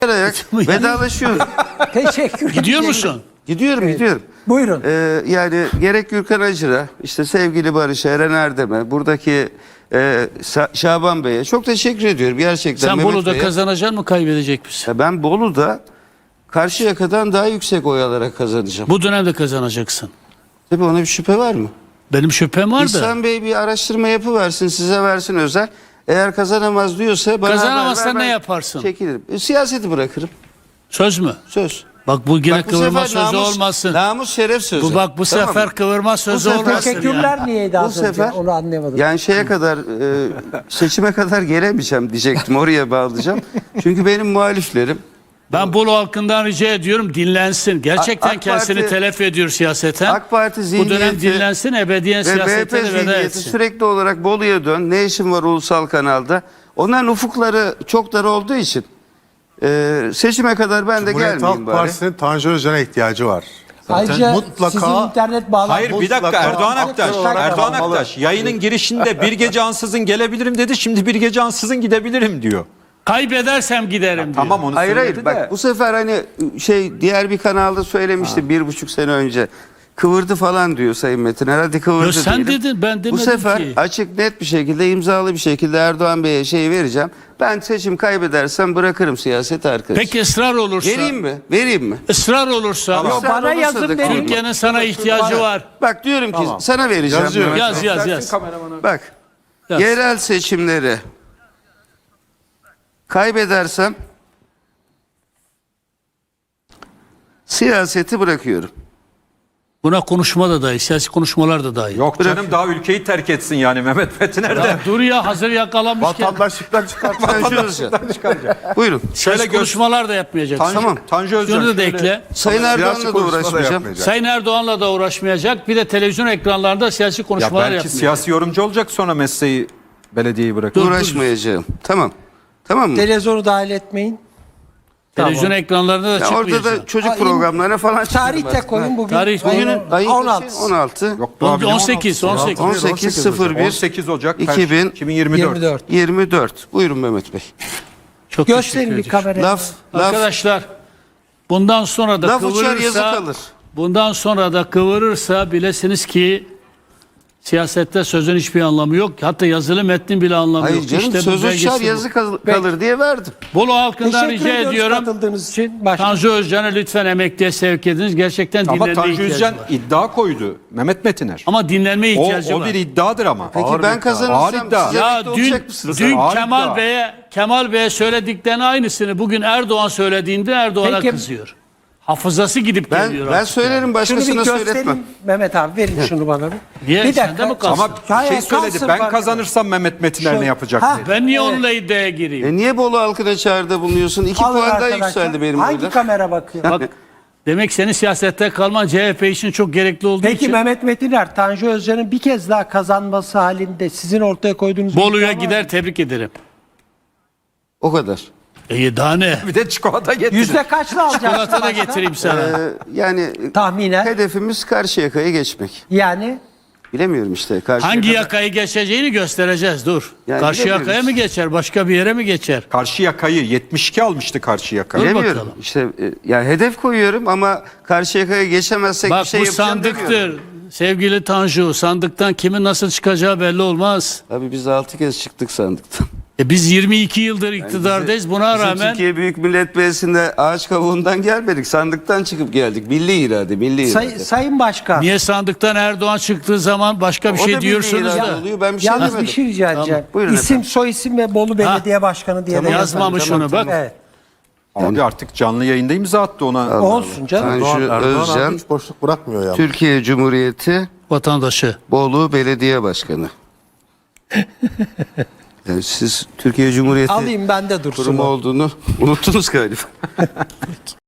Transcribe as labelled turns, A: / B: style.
A: vedalaşıyorum.
B: Teşekkür ederim.
C: Gidiyor musun?
A: Gidiyorum.
B: Buyurun.
A: Yani gerek Gürkan Acır'a, işte sevgili Barış Eren Erdem'e, buradaki Şaban Bey'e çok teşekkür ediyorum gerçekten.
C: Sen
A: Mehmet
C: Bolu'da
A: Bey'e.
C: kazanacaksın mı, kaybedecek misin?
A: Ya ben Bolu'da Karşıyaka'dan daha yüksek oy alarak kazanacağım.
C: Bu dönemde kazanacaksın.
A: Tabii ona bir şüphe var mı?
C: Benim şüphem var da.
A: İhsan Bey bir araştırma yapıversin, size versin özel. Eğer kazanamaz diyorsa bana
C: Kazanamazsa
A: haber ver,
C: ne
A: ben
C: yaparsın?
A: Çekilirim. Siyaseti bırakırım.
C: Söz mü?
A: Söz.
C: Bak bu yine
A: Bak bu
C: kıvırma
A: sefer
C: sözü olmasın.
A: Namus şeref sözü.
C: Bu bak bu
A: Tamam
C: sefer
A: mı?
C: kıvırma sözü
A: sefer-
C: olmasın
B: Teşekkürler
C: yani.
B: niyeydi az
A: Bu
B: önce?
A: sefer
B: Onu anlayamadım.
A: yani şeye kadar seçime kadar gelemeyeceğim diyecektim. Oraya bağlayacağım. Çünkü benim muhaliflerim
C: Ben Bolu halkından rica ediyorum, dinlensin. Gerçekten
A: AK
C: kendisini
A: Parti-
C: telef ediyor siyaseten.
A: AK Parti
C: Bu dönem
A: zihniyeti
C: dinlensin, ebediyen
A: ve
C: siyasete
A: MHP
C: de veda
A: zihniyeti
C: etsin.
A: sürekli olarak Bolu'ya dön. Ne işin var ulusal kanalda? Onların ufukları çok dar olduğu için seçime kadar ben de
D: Cumhuriyet
A: gelmeyeyim
D: Halk
A: bari.
D: Partisi'nin Tanju Özcan'a ihtiyacı var.
B: Ayrıca
D: mutlaka-
B: sizin internet bağlantınız...
E: Hayır bir dakika,
D: Mutlaka
E: Erdoğan Aktaş.
D: aktör olarak
E: Erdoğan
D: kalmalı.
E: Aktaş yayının girişinde bir gece ansızın gelebilirim dedi. Şimdi bir gece ansızın gidebilirim diyor.
C: Kaybedersem giderim diyor.
E: Tamam onu
A: Hayır
E: söyledi
A: hayır
E: de.
A: bak bu sefer hani diğer bir kanalda söylemişti 1,5 sene önce. Kıvırdı falan diyor Sayın Metin. Herhalde kıvırdı
C: Yo, sen
A: diyelim.
C: dedin, ben demedim
A: Bu sefer
C: ki.
A: açık net bir şekilde imzalı bir şekilde Erdoğan Bey'e vereceğim. Ben seçim kaybedersem bırakırım siyaseti arkadaş.
C: Peki ısrar olursa?
A: Vereyim mi? Vereyim mi?
C: Israr olursa?
B: Yo,
A: Israr
B: bana
A: olursa
B: yazın
A: da
B: verin.
C: Türkiye'nin sana ihtiyacı var.
A: Bak diyorum ki sana vereceğim.
D: Yazıyorum.
A: Mehmet
C: Yaz
A: Bey.
C: yaz yaz.
A: Bak
C: Yaz.
A: yerel seçimleri kaybedersem siyaseti bırakıyorum.
C: Buna konuşma da dahil, siyasi konuşmalar da dahil.
E: Yok canım daha ülkeyi terk etsin yani Mehmet Metiner de.
C: Ya dur ya, hazır yakalamışken.
D: Vatandaşlıktan çıkartma.
A: Tanju Özcan. Buyurun.
C: Siyasi konuşmalar da yapmayacaksın.
A: Tamam.
E: Tanju Özcan.
C: Şunu da ekle.
A: Sayın Erdoğan'la da uğraşmayacağım.
C: Sayın Erdoğan'la da uğraşmayacak. Bir de televizyon ekranlarında siyasi
E: Ya
C: konuşmalar
E: belki
C: yapmayacak.
E: siyasi yorumcu olacak sonra mesleği belediyeyi bırakır.
A: Uğraşmayacağım. Tamam. Tamam mı?
B: Televizyonu dahil etmeyin.
C: Televizyon ekranlarında da
A: Ya
C: çıkmayacak.
A: orada da çocuk
B: Aa,
A: programlarına falan
B: Tarih
A: çıkıyorum
B: de
A: artık.
B: koyun bugün.
C: Tarih-
A: Bugünün ayı
B: 16.
A: kaçı? 16.
E: Yok, daha bile
C: 18.
A: 18.01
E: 18 Ocak
A: 2024. 24. Buyurun Mehmet Bey.
C: Çok
B: Gösterin
C: teşekkür
B: bir
C: ediyorum.
B: kameraya.
A: Laf
C: Arkadaşlar, bundan sonra da
A: laf uçar yazı
C: kıvırırsa,
A: kalır.
C: bundan sonra da kıvırırsa bilesiniz ki siyasette sözün hiçbir anlamı yok. Hatta yazılı metnin bile anlamı
A: Hayır
C: yok.
A: canım
C: İşte bu
A: söz
C: belgesi
A: uçar
C: bu.
A: yazı kalır diye verdim.
C: Bolu halkından
B: Teşekkür
C: rica
B: ediyoruz
C: ediyorum.
B: katıldığınız için. Başka.
C: Tanju Özcan'ı lütfen emekliye sevk ediniz. Gerçekten
E: Ama
C: dinlenme
E: Tanju
C: ihtiyacı
E: Özcan
C: var.
E: iddia koydu Mehmet Metiner.
C: Ama dinlenme ihtiyacı
E: O
C: var.
E: bir iddiadır ama.
A: Peki
E: Ağır
A: ben
E: iddia.
A: kazanırsam
E: Ağır iddia.
A: size
C: Ya
A: emekli
C: dün,
A: olacak mısınız?
C: dün
E: Ağır
C: Kemal
E: iddia.
C: Bey'e söylediklerinin aynısını bugün Erdoğan söylediğinde Erdoğan'a
B: Peki-
C: kızıyor. Hafızası gidip geliyor
A: Ben
C: artık
A: söylerim
B: Şunu bir
A: başkasına
B: göstereyim.
A: söyletmem.
B: Mehmet abi verin şunu bana bir.
C: Niye?
B: Bir
C: Sende mi
B: dakika.
C: kalsın?
E: Ama bir
B: Hayır,
E: şey söyledi.
B: kalsın
E: Ben
B: fark
E: kazanırsam Mehmet Metiner
B: Şu-
E: ne yapacak
B: Ha.
E: dedi.
C: Ben niye
B: Evet.
C: onunla iddiaya gireyim?
A: Niye Bolu halkına çağrıda bulunuyorsun? 2
B: Alın
A: puan daha
B: arkadaşlar.
A: yükseldi benim
B: Hangi
A: oylar.
B: kamera bakıyor?
C: Bak, demek senin siyasette kalman CHP için çok gerekli olduğu
B: Peki
C: için
B: Mehmet Metiner, Tanju Özcan'ın bir kez daha kazanması halinde sizin ortaya koyduğunuz bir
C: Bolu'ya
B: iddia var
C: gider,
B: mı?
C: tebrik ederim.
A: O kadar.
C: Daha ne?
E: Bir de çikolata getirdi.
B: Yüzde kaçla alacaksın
C: Çikolata da
B: başka?
C: getireyim sana.
A: Yani
B: Tahminen.
A: hedefimiz Karşıyaka'ya geçmek.
B: Yani
A: Bilemiyorum işte. Karşıyaka.
C: Hangi yakayı geçeceğini göstereceğiz, dur.
A: Yani
C: Karşı yakaya
A: bilemiyoruz.
C: mı geçer, başka bir yere mi geçer?
E: Karşı yakayı 72 almıştı karşı yakayı.
A: Bilemiyorum.
C: bakalım.
A: İşte yani hedef koyuyorum ama Karşıyaka'ya geçemezsek
C: Bak
A: bir şey
C: bu
A: yapacağım
C: sandıktır.
A: demiyorum.
C: Sevgili Tanju, sandıktan kimin nasıl çıkacağı belli olmaz.
A: Abi biz 6 kez çıktık sandıktan.
C: Biz 22 yıldır iktidardayız. Buna
A: Bizim
C: rağmen
A: Türkiye Büyük Millet Meclisi'nde ağaç kavuğundan gelmedik. Sandıktan çıkıp geldik. Milli irade, milli irade.
B: Sayın Başkan,
C: niye sandıktan Erdoğan çıktığı zaman başka bir
A: O da
C: şey
A: milli
C: diyorsunuz
A: irade
C: da?
A: oluyor. Ben bir şey
B: yalnız
A: demedim.
B: bir şey rica edeceğim.
A: Buyurun
B: İsim,
A: efendim.
B: soy isim ve Bolu Belediye Başkanı diye de
A: Tamam,
B: yazalım.
C: Yazmamış
A: Tamam,
C: onu bak.
B: Evet.
E: Abi artık canlı yayında imza attı ona.
B: Olsun canım.
A: Tanju
D: Erdoğan
A: Özcan,
D: abi hiç boşluk bırakmıyor ya.
A: Türkiye Cumhuriyeti
C: Vatandaşı.
A: Bolu Belediye Başkanı. Yani siz Türkiye Cumhuriyeti
B: Alayım bende dursun.
A: kurumu
B: o.
A: olduğunu unuttunuz galiba.